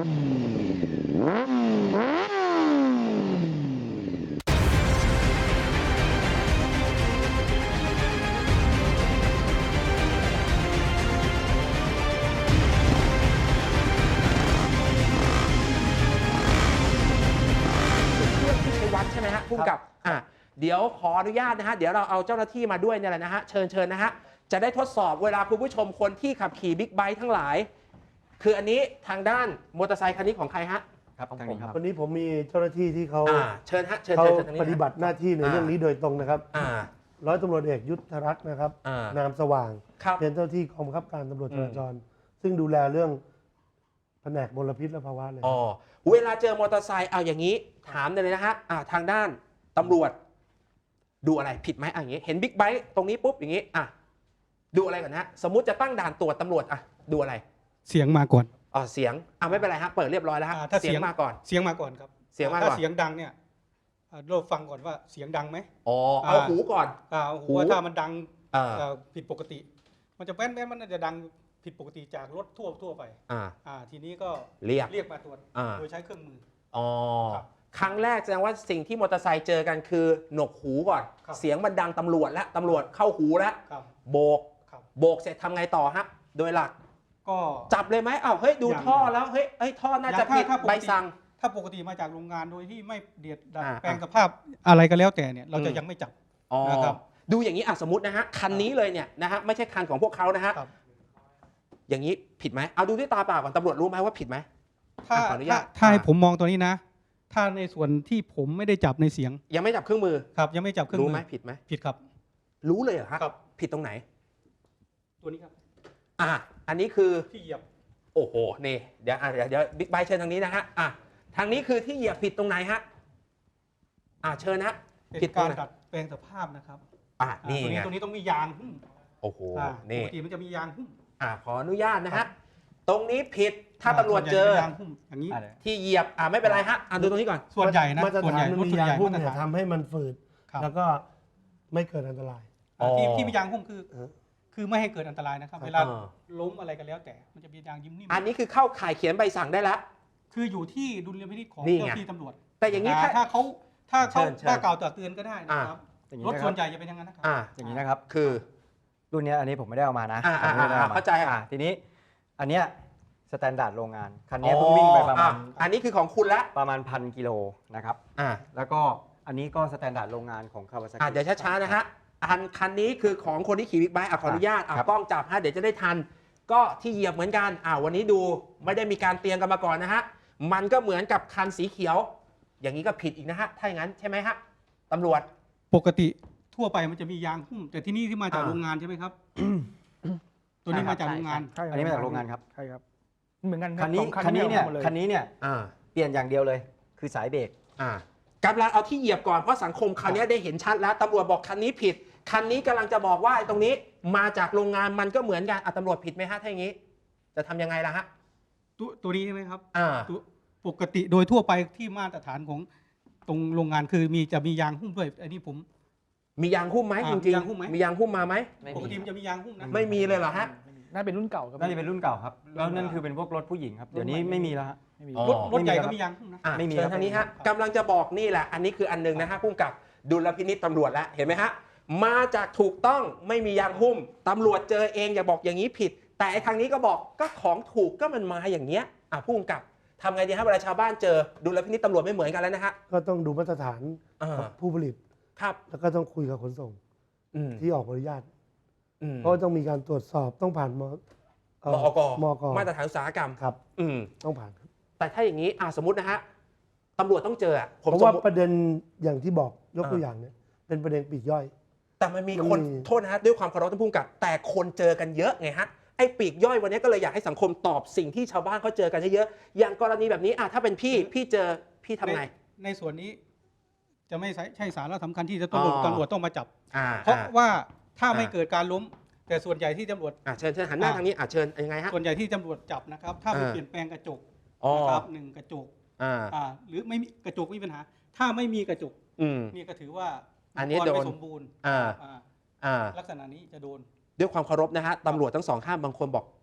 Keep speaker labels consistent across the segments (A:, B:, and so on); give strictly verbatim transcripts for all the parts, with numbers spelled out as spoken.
A: วัดใช่ไหมฮะพุ่มกับอ่ะเดี๋ยวขออนุญาตนะฮะเดี๋ยวเราเอาเจ้าหน้าที่มาด้วยเนี่ยแหละนะฮะเชิญเชิญนะฮะจะได้ทดสอบเวลาคุณผู้ชมคนที่ขับขี่บิ๊กไบค์ทั้งหลายคืออันนี้ทางด้านมอเตอร์ไซค์คันนี้ของใครฮะ
B: ครับทางนี้ครับ
C: วันนี้ผมมีเจ้าหน้าที่ที่เขา
A: เชิญฮะเชิญ
C: เขา
A: เชิญทางนี้
C: ปฏิบัติหน้าที่ในเรื่องนี้โดยตรงนะครับ ร้อยตำรวจเอกยุทธรัตน์นะครับนามสว่างเป็นเจ้าที่กองบังคับการตำรวจจราจรซึ่งดูแลเรื่องแผนกมลพิษและภาวะเลย
A: อ๋อเวลาเจอมอเตอร์ไซค์เอาอย่างนี้ถามเลยนะฮะทางด้านตำรวจดูอะไรผิดไหมอย่างนี้เห็นบิ๊กไบค์ตรงนี้ปุ๊บอย่างนี้อ่ะดูอะไรก่อนนะสมมุติจะตั้งด่านตรวจตำรวจอ่ะดูอะไร
D: เสียงมาก่อน
A: อ๋อเสียงอ่ะไม่เป็นไรฮะเปิดเรียบร้อยแล้วฮะ
D: ถ้า
A: เสียงมาก่อน
D: เสียงมาก่อนครับ
A: เสียงมาก่อน
D: ถ้าเสียงดังเนี่ยเราฟังก่อนว่าเสียงดังไหม
A: อ๋อเอาหูก่อน
D: เอาหูว่าถ้ามันดังผิดปกติมันจะแว้นแว้นมันจะดังผิดปกติจากรถทั่วทั่วไปอ่าอ่าทีนี้ก็
A: เรียก
D: เรียกมาตรวจโดยใช้เครื่องมือ
A: อ๋อครั้งแรกแสดงว่าสิ่งที่มอเตอร์ไซค์เจอกันคือหนวกหูก่อนเสียงมันดังตำรวจแล้วตำรวจเข้าหูแล้วโบกโบกเสร็จทำไงต่อฮะโดยหลัก
D: ก็
A: จับเลยไหมอ้าวเฮ้ยดูท่อแล้วเฮ้ยเฮ้ยท่อน่าจะผิดใบสั่ง
D: ถ้าปกติมาจากโรงงานโดยที่ไม่เดียดดัดแปลงสภาพอะไรก็แล้วแต่เนี่ยเราจะยังไม่จับนะครับ
A: ดูอย่างนี้อ่ะสมมตินะฮะคันนี้เลยเนี่ยนะฮะไม่ใช่คันของพวกเขานะฮะอย่างนี้ผิดไหมเอาดูด้วยตาเปล่าก่อนตำรวจรู้ไหมว่าผิดไหม
D: ถ้าถ้าให้ผมมองตัวนี้นะถ้าในส่วนที่ผมไม่ได้จับในเสียง
A: ยังไม่จับเครื่องมือ
D: ครับยังไม่จับเครื่องมือ
A: รู้ไหมผิดไหม
D: ผิดครับ
A: รู้เลยเหรอครับผิดตรงไหน
D: ตัวนี้ครับ
A: อ่ะอันนี้คือ
D: ที่เหยียบ
A: โอ้โหนี่เดี๋ยวเดี๋ยวเดี๋ยวบิ๊กไบค์เชิญทางนี้นะฮะอ่ะทางนี้คือที่เหยียบผิดตรงไหนฮะอ่ะเชิญนะ
D: ผิดการดัดแปลงสภาพนะครับ
A: อ่ะนี่ไง
D: ตรงนี้ต้องมียางหุ้ม
A: โอ้โหนี่
D: ปกติมันจะมียางหุ้ม
A: อ่ะขออนุญาตนะฮะตรงนี้ผิดถ้าตำรวจเจอ
D: อย่างนี้
A: ที่เหยียบอ่ะไม่เป็นไรฮะอ่ะดูตรงนี้ก่อน
D: ส่วนใหญ่นะ
C: ส่วนใหญ่รถยางหุ้มเนี่ยทำให้มันฝืดแล้วก็ไม่เกิดอันตราย
D: ที่ที่มียางหุ้มคือคือไม่ให้เกิดอันตรายนะครับเวลาล้มอะไรกันแล้วแต่มันจะมียางยิ้มนิ่ม
A: อันนี้คือเข้าข่ายเขียนใบสั่งได้แล้ว
D: คืออยู่ที่ดุลยพินิจของเจ้าที่ตำรวจ
A: แต่อย่างนี้
D: ถ้าเขาถ้าเขาถ้ากล่าวตักเตือนก็ได้นะครับรถส่วนใหญ่จะเป็นอย่างนั้นนะครับ
B: อย่างนี้นะครับ
A: คือ
B: รุ่นนี้อันนี้ผมไม่ได้เอามานะ
A: เข้าใจ
B: อ่ะทีนี้อันเนี้ยสแตนดาร์ดโรงงานคันนี้เพิ่งวิ่งไปประมาณ
A: อันนี้คือของคุณละ
B: ประมาณพันกิโลนะครับแล้วก็อันนี้ก็สแตนดาร์ดโรงงานของคาวาซากิ
A: เดี๋ยวช้าๆนะฮะอันคันนี้คือของคนที่ขี่บิ๊กไบค์ขออนุญาตกล้องจับฮะเดี๋ยวจะได้ทันก็ที่เหยียบเหมือนกันอ่าวันนี้ดูไม่ได้มีการเตรียมกันมาก่อนนะฮะมันก็เหมือนกับคันสีเขียวอย่างนี้ก็ผิดอีกนะฮะถ้าอย่างนั้นใช่ไหมฮะตำรวจ
D: ปกติทั่วไปมันจะมียางหุ้มแต่ที่นี่ที่มาจากโรงงานใช่ไหมครับตัวนี้มาจากโรงงาน
B: อันนี้มาจากโรงงานครับ
C: ใช่ครับเหมือนกัน
B: คันนี้คันนี้เนี่ยคันนี้เนี่ยเปลี่ยนอย่างเดียวเลยคือสายเบรก
A: กำลังเอาที่เหยียบก่อนเพราะสังคมคราวนี้ได้เห็นชัดแล้วตำรวจบอกคันนี้ผิดคันนี้กำลังจะบอกว่าตรงนี้มาจากโรงงานมันก็เหมือนกันตำรวจผิดไหมฮะถ้าอย่างนี้จะทำยังไงล่ะฮะ
D: ตัวตัวนี้ใช่ไหมครับปกติโดยทั่วไปที่มาตรฐานของตรงโรงงานคือมีจะมียางหุ้มด้วยอันนี้ผม
A: มียางหุ้มไหมจริงๆมียางหุ้มมาไหม
D: ปกติมันจะมียางหุ้มนะ
A: ไม่มีเลยเหรอฮะ
C: น่าเป็นรุ่นเก่า
B: น่าจะเป็นรุ่นเก่าครับแล้วนั่นคือเป็นพวกรถผู้หญิงครับเดี๋ยวนี้ไม่มีแล้วฮะ
D: รถรถใหญ่ก็มียางหุ้มนะ
A: ไม่มีเชิญทางนี้ฮะกำลังจะบอกนี่แหละอันนี้คืออันนึงนะฮะพุ่งกับดุลพินิจตำรวจแล้วเห็นไหมฮะมาจากถูกต้องไม่มียางหุ้มตำรวจเจอเองอย่าบอกอย่างนี้ผิดแต่ทางนี้ก็บอกก็ของถูกก็มันมาอย่างเงี้ยอ่ะพุ่งกับทำไงดีฮะเวลาชาวบ้านเจอดุลพินิจตำรวจไม่เหมือนกันแล้วนะฮะ
C: ก็ต้องดูมาตรฐานผู้ผลิต
A: ครับ
C: แล้วก็ต้องคุยกับขนส่งที่ออกอนุญาตเพราะต้องมีการตรวจสอบต้องผ่านม
A: มอกมอกมาตรฐานอุตสาหกรรม
C: ครับต้องผ่าน
A: แต่ถ้าอย่างนี้อ่ะสมมตินะฮะตำรวจต้องเจออ่ะ
C: ผมว่าประเด็นอย่างที่บอกยกตัวอย่างเนี่ยเป็นประเด็นปลีกย่อย
A: แต่มันมีคนโทษนะฮะด้วยความเคารพท่านผู้กำกับแต่คนเจอกันเยอะไงฮะไอ้ปลีกย่อยวันนี้ก็เลยอยากให้สังคมตอบสิ่งที่ชาวบ้านเขาเจอกันเยอะๆอย่างกรณีแบบนี้อ่ะถ้าเป็นพี่พี่เจอพี่ทำไง
D: ในส่วนนี้จะไม่ใช่สาระสำคัญที่จะต้องตำรวจต้องมาจับเพราะว่าถ้าไม่เกิดการล้มแต่ส่วนใหญ่ที่ตำรวจ
A: เชิญเชิญหันหน้าทางนี้เชิญยังไงฮะ
D: ส่วนใหญ่ที่ตำรวจจับนะครับถ้าเปลี่ยนแปลงกระจกนะครับหนึ่งกระจกหรือไม่มีกระจกไม่มีปัญหาถ้าไม่มีกระจกนี่ก็ถือว่า
A: อันนี้โดน
D: ไม่สมบูรณ์ลักษณะนี้จะโดน
A: ด้วยความเคารพนะฮะตำรวจทั้งสองข้างบางคนบอก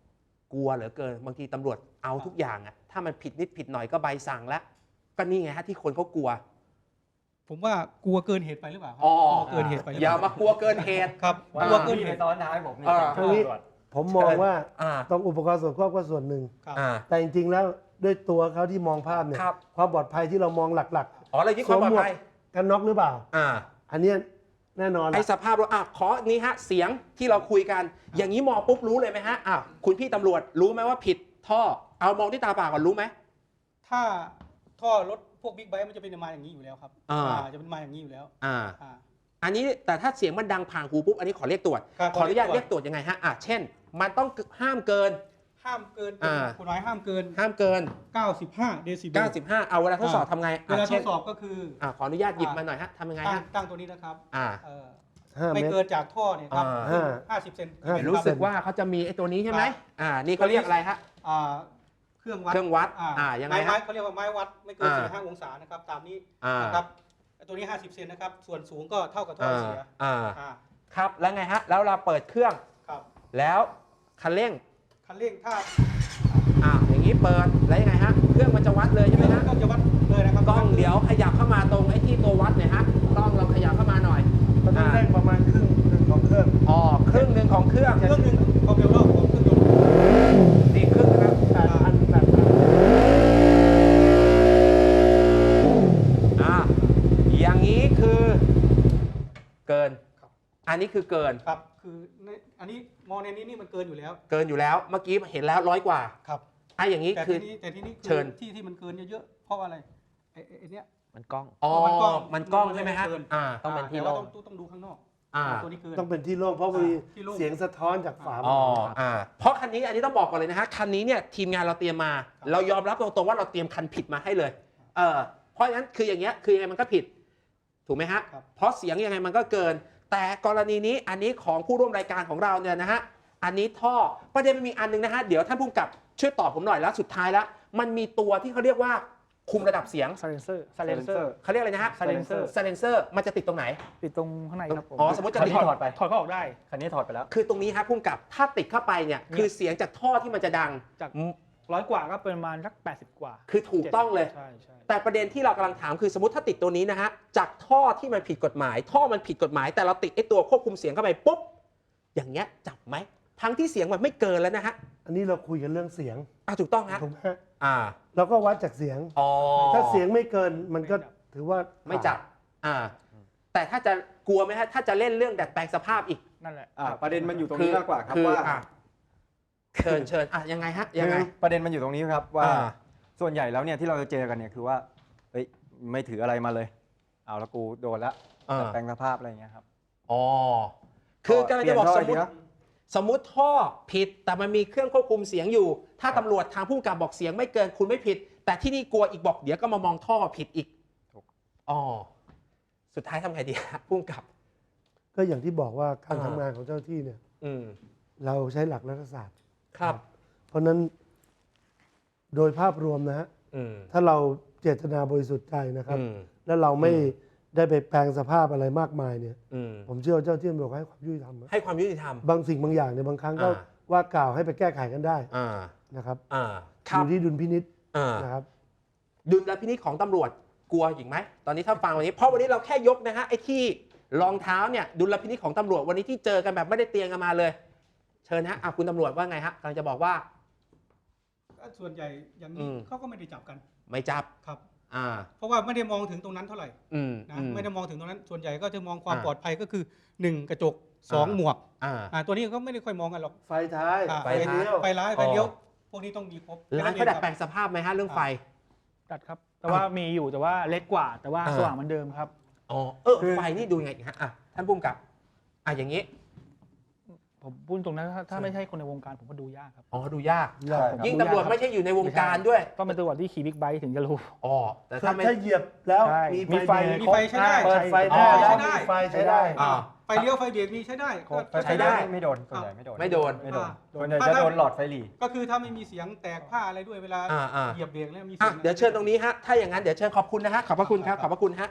A: กลัวเหลือเกินบางทีตำรวจเอาทุกอย่างอะถ้ามันผิดนิดผิดหน่อยก็ใบสั่งแล้วก็นี่ไงฮะที่คนเขากลัว
D: ผมว่ากลัวเกินเหตุไปหรือเปล่าครับ
A: อ๋อก
D: ลัวเกินเหตุไปหรื
A: อ
D: เป
A: ย่า
D: ล่
A: มากลัวเกินเหตุ
D: ครับ
B: ว่าก
D: ลัวเกิน
B: ที่
D: เห
B: ไป
D: ตุ
B: ซ้อนท้ายผมนี่
A: อ่า
B: ตำร
C: ทีนี้
B: วจ
C: ผมมองว่า
A: อ่า
C: ต้องอุปกรณ์ส่วนควบก็ส่วนหนึ่ง
D: ครับ
A: อ่า
C: แต่จริงๆแล้วด้วยตัวเขาที่มองภาพเนี่ย
A: ครับ
C: ความปลอดภัยที่เรามองหลัก
A: อ๋ออะไรที่
C: ๆ
A: ความปลอดภัย
C: กันน็อกหรือเปล่า
A: อ่า
C: อันเนี้ยแน่นอน
A: ไอ
C: ล่ะ
A: สภาพรถอ่ะขอนี้ฮะเสียงที่เราคุยกัน อย่างนี้มองปุ๊บรู้เลยไหมฮะอ่ะคุณพี่ตำรวจรู้ไหมว่าผิดท่อเอามองที่ตาเปล่าก่อนรู้ไหม
D: ถ้าท่อรถพวกบิ๊กไบค์มันจะเป็นมาอย่างนี้อยู่แล้วครับ
A: อ่า
D: อ่าจะเป็นมาอย่างนี้อยู่แล้ว
A: อ่า
D: อ่า
A: อันนี้แต่ถ้าเสียงมันดังผ่านหูปุ๊บอันนี้ขอเรียกตรวจ
D: ครับ
A: ขออนุญาต
D: ขอเรี
A: เรี
D: ย
A: ย
D: ก
A: ก
D: ต
A: ต
D: ร
A: ร
D: ว
A: ว
D: จ
A: จยังไงฮะอ่ะเช่น มันต้องห้ามเกิน
D: ห้ามเกิน
A: อ่า
D: กฎหมายห้ามเกิน
A: ห้ามเกิน
D: เก้าสิบห้าเดซิเบล
A: เก้าสิบห้าเอาเวลาทดสอบทำไง
D: เวลา
A: อ่ะ
D: ท
A: เช่
D: ด
A: น
D: สอบก็คือ
A: อ่ะขออนุญาตหยิบมาหน่อยฮะทำยังไง
D: ตั้ง
A: ฮะ
D: ตั้งตัวนี้นะครับ
A: อ่า
D: เอ่อ
C: ห้า
D: ไม่
C: เมตร
D: เกินจากท่อเนี่ยครับ
A: อ่า
D: ห้าสิบเซน
C: ห้าสิบ
A: รู้สึกว่าเขาจะมีไอ้ตัวนี้ใช่ไหม
D: ครับ
A: อ่านี่เขาเรียกอะไรฮะ
D: อ่าเครื่องวัด
A: เครื่องวัด
D: อ่า
A: อ่ายังไง
D: ไม้
A: ฮะ
D: ไม้เขาเรียกว่าไม้วัดไม่เกิน
A: อ่า
D: สี่ห้าองศานะครับตามนี้
A: อ่า
D: นะครับตัวนี้ห้าสิบเซนนะครับส่วนสูงก็เท่ากับท่อ
A: อ่า
D: เสีย
A: อ่า
D: อ่า
A: ครับแล้วไงฮะแล้วเราเปิดเครื่อง
D: ครับ
A: แล้วคันเร่ง
D: คันเร่งถ้า
A: อ่าอย่างนี้เปิดแล้วยังไงฮะเครื่องมันจะวัดเลยใช่ไหมฮะ
D: ก็จะวัดเลยนะครับ
A: กล้องเดี๋ยวขยับเข้ามาตรงไอ้ที่ตัววัดเนี่ยฮะกล้องเราขยับเข้ามาหน่อย
C: มันต้องเร่งประมาณครึ่งหนึ่งของเครื่อง
A: อ๋อครึ่งหนึ่งของเครื่อง
D: เครื่องหนึ่งความเร็วรอบของเครื่องยนต์
A: นี่ครึ่งนะครับ
C: แปดพันแปดพัน
A: อ่าอย่างนี้คือเกิน อันนี้คือเกิน
D: ครับคือในอันนี้มองในนี้นี่มันเกินอยู่แล้ว
A: เกินอยู่แล้วเมื่อกี้เห็นแล้วร้อยกว่า
D: ครับ
A: อ่ะอย่างนี้
D: แต่
A: คื
D: ที
A: อ
D: นี้แต่ทีนี้คือ
A: เชิญ
D: ที่ที่มันเกินเยอะๆเพราะว่าอะไรไอ้ไอ้ไอ้เนี้ย
B: มันกล้อง
A: อ๋อ
D: มันกล้อง
A: มันกล้องใช่ไหมฮะ
D: มันเกิน
A: อ่า
B: ต้องเป็นที่
D: แต่ว่า
B: โล่ง
D: ต้องต้องดูข้างนอก
A: อ่า
D: ตัวนี้เกิน
C: ต้องเป็นที่โล่งเพราะมี
D: ที่โล่ง
C: เสียงสะท้อนจากฝา
A: อ๋อ
C: หม้อ
A: อ่าเพราะคันนี้อันนี้ต้องบอกก่อนเลยนะฮะคันนี้เนี่ยทีมงานเราเตรียมมา
D: ครับ
A: เรายอมรับตรงๆว่าเราเตรียมคันผิดมาให้เลยเออเพราะฉะนั้นคืออย่างเงี้ยคือยังไงมันก็ผิดถูกไหมฮะ
D: ครับ
A: เพราะเสียงยังไงมันก็เกิน แต่กรณีนี้อันนี้ของผู้ร่วมรายการของเราเนี่ยนะฮะอันนี้ท่อประเด็นมันมีอันนึงนะฮะเดี๋ยวท่านผู้กำกับช่วยตอบผมหน่อยแล้วสุดท้ายแล้วมันมีตัวที่เขาเรียกว่าคุมระดับเสียง
E: ซาเลนเซอร์ซาเลนเซอร์
A: เขาเรียกอะไรนะฮะ
E: silencer
A: ซาเลนเซอร์มันจะติดตรงไหน
E: ติดตรงข้างในครับผม
A: อ๋อสมมติจะ
B: คัน
A: ติด
B: นี้ถอดไป
E: ถอดก็ออกได้
B: คันนี้ถอดไปแล้ว
A: คือตรงนี้ฮะพุ่มกับถ้าติดเข้าไปเนี่ยคือเสียงจากท่อที่มันจะดัง
E: จากร้อยกว่าก็เป็นประมาณสักแปดสิบกว่า
A: คือถูกต้องเลย
E: ใช่ใช่
A: แต่ประเด็นที่เรากำลังถามคือสมมติถ้าติดตัวนี้นะฮะจากท่อที่มันผิดกฎหมาย ท่อมันผิดกฎหมาย แต่เราติดไอ้ตัวควบคุมเสียงเข้าไปปุ๊บอย่างเงี้ยจับไหมทั้งที่เสียงมันไม่เกินแล้วนะฮะ
C: อันนี้เราคุยกันเรื่องเสียง
A: อ่ะถูกต้องฮะ
C: ถูกไหมฮะ
A: อ่า
C: เราก็วัดจากเสียง
A: อ๋อ
C: ถ้าเสียงไม่เกินมันก็ถือว่า
A: ไม่จับอ่าแต่ถ้าจะกลัวไหมฮะถ้าจะเล่นเรื่องดัดแปลงสภาพอีก
E: นั่นแหละ
B: อ่าประเด็นมันอยู่ตรงนี้มากกว่าครับ
A: คือ
B: ว่า
A: อ่ะเชิญเชิญอ่ะยังไงฮะยังไง
B: คือประเด็นมันอยู่ตรงนี้ครับว่า
A: อ่า
B: ส่วนใหญ่แล้วเนี่ยที่เราจะเจอกันเนี่ยคือว่าเฮ้ยไม่ถืออะไรมาเลย เอาละกูโดนละ
A: อ่า
B: แต่แปลงสภาพอะไรอย่างเงี้ยครับ
A: อ๋อคือกำลังจะบอก
B: เป
A: ส
B: ลี่
A: ม
B: ยน
A: ม
B: ท่อ
A: ติ
B: ไอเดีย
A: สมมุติท่อผิดแต่มันมีเครื่องควบคุมเสียงอยู่ ถ้าตำรวจทางผู้กำกับบอกเสียงไม่เกินคุณไม่ผิด แต่ที่นี่กลัวอีกบอกเดี๋ยวก็มามองท่อผิดอีก
B: ถูก
A: อ๋อสุดท้ายทำไงดีฮะผู้กำกับ
C: ก็อย่างที่บอกว่าการ
A: อ่า
C: ทำงานของเจ้าหน้าที่เนี่ย
A: อืม
C: เราใช้หลักรัฐศาสตร์
A: ครับ
C: เพราะฉะนั้นโดยภาพรวมนะฮะ
A: อืม
C: ถ้าเราเจตนาบริสุทธิ์ใจนะครับ
A: อืม
C: แล้วเราไม่
A: อืม
C: ได้ไปแปลงสภาพอะไรมากมายเนี่ย
A: อืม
C: ผมเชื่อว่าเจ้าหน้าที่ตำรวจให้ความยุติธรรมนะ
A: ให้ความยุติธรรม
C: บางสิ่งบางอย่างเนี่ยบางครั้งก็
A: อ่า
C: ว่ากล่าวให้ไปแก้ไขกันได้
A: อ่า
C: นะครับ
A: อ่าค
C: อ
A: รับ
C: ยู่ที่ดุลพินิษ
A: อ่า
C: นะครับ
A: ดุลพินิจของตำรวจกลัวอีกไหมตอนนี้ถ้าฟังวันนี้เพราะวันนี้เราแค่ยกนะฮะไอ้ที่รองเท้าเนี่ยดุลพินิจของตำรวจวันนี้ที่เจอกันแบบไม่ได้เตรียมกันมาเลย เชิญฮะอ่ะคุณตำรวจว่าไงฮะกำลังจะบอกว่า
D: ก็ส่วนใหญ่อย่าง
A: อื
D: นี้
A: ม
D: เขาก็ไม่ได้จับกัน
A: ไม่จับ
D: ครับ
A: อ่า
D: เพราะว่าไม่ได้มองถึงตรงนั้นเท่าไหร่
A: อืม
D: นะ
A: อืม
D: ไม่ได้มองถึงตรงนั้น ส่วนใหญ่ก็จะมองความ
A: อ่า
D: ปลอดภัยก็คือหนึ่งกระจกสอง
A: อ่า
D: หมวก
A: อ่า
D: อ่าตัวนี้ก็ไม่ได้ค่อยมองกันหรอก
C: ไฟท้าย
D: อ่า
C: ไฟเลี้ยว
D: ไฟร้าย
A: อ๋อ
D: ไฟเลี้ยวพวกนี้ต้องมีครบ
A: ร้านเขาดัดแปลงสภาพไหมฮะเรื่องไฟ
E: ตัดครับ แต่ว่ามีอยู่แต่ว่าเล็กกว่า แต่ว่า
A: อ่า
E: สว่างเหมือนเดิมครับ
A: อ๋อเออไฟนี่ดูยังไงฮะอ่ะท่านผู้กำกับอ่ะอย่างนี้
E: ผมพูดตรงนั้นถ้าถ้าไม่ใช่คนในวงการผมก็ดูยากครับ
A: อ๋อดูยาก
C: ยาก
B: ใช่ครับ
A: ยิ่งตำรวจไม่ใช่อยู่ในวงการด้วย
E: ต้องเป็นตำรวจที่ขี่บิ๊กไบค์ถึงจะรู้
A: อ๋อแต่
C: ถ้า
A: ถ้าไม่
C: ถ้าเหยียบแล้ว
E: ใช่
C: มี
E: มี
C: ไฟ
E: ไฟ
C: เบรก
D: มีไฟใช้ได้
C: เปิดไฟ
A: อ๋
C: ได้
A: อ
C: แล้ว
D: ใช้ได้
C: มีไฟใช้ได้
A: อ่า
D: ไฟเลี้ยวไฟเบรกมีใช้ได้
B: ครบ
D: ก็
A: ใช้ได้
B: ไม่โดนส่วนใหญ่ไม่โดน
A: ไม่โดน
B: ไม่โดน
D: อ่า
B: ส่วนใหญ่จะโดนหลอดไฟหลี
D: ก็คือถ้าไม่มีเสียงแตกผ้าอะไรด้วยเวลา
A: อ่าอ่า
D: เหยียบเบรกแล้วมี
A: อ่ะ
D: เสียง
A: เดี๋ยวเชิญตรงนี้ฮะถ้าอย่างนั้นเดี๋ยวเชิญขอบคุณนะฮะขอบพระคุณครับขอบพระคุณฮะ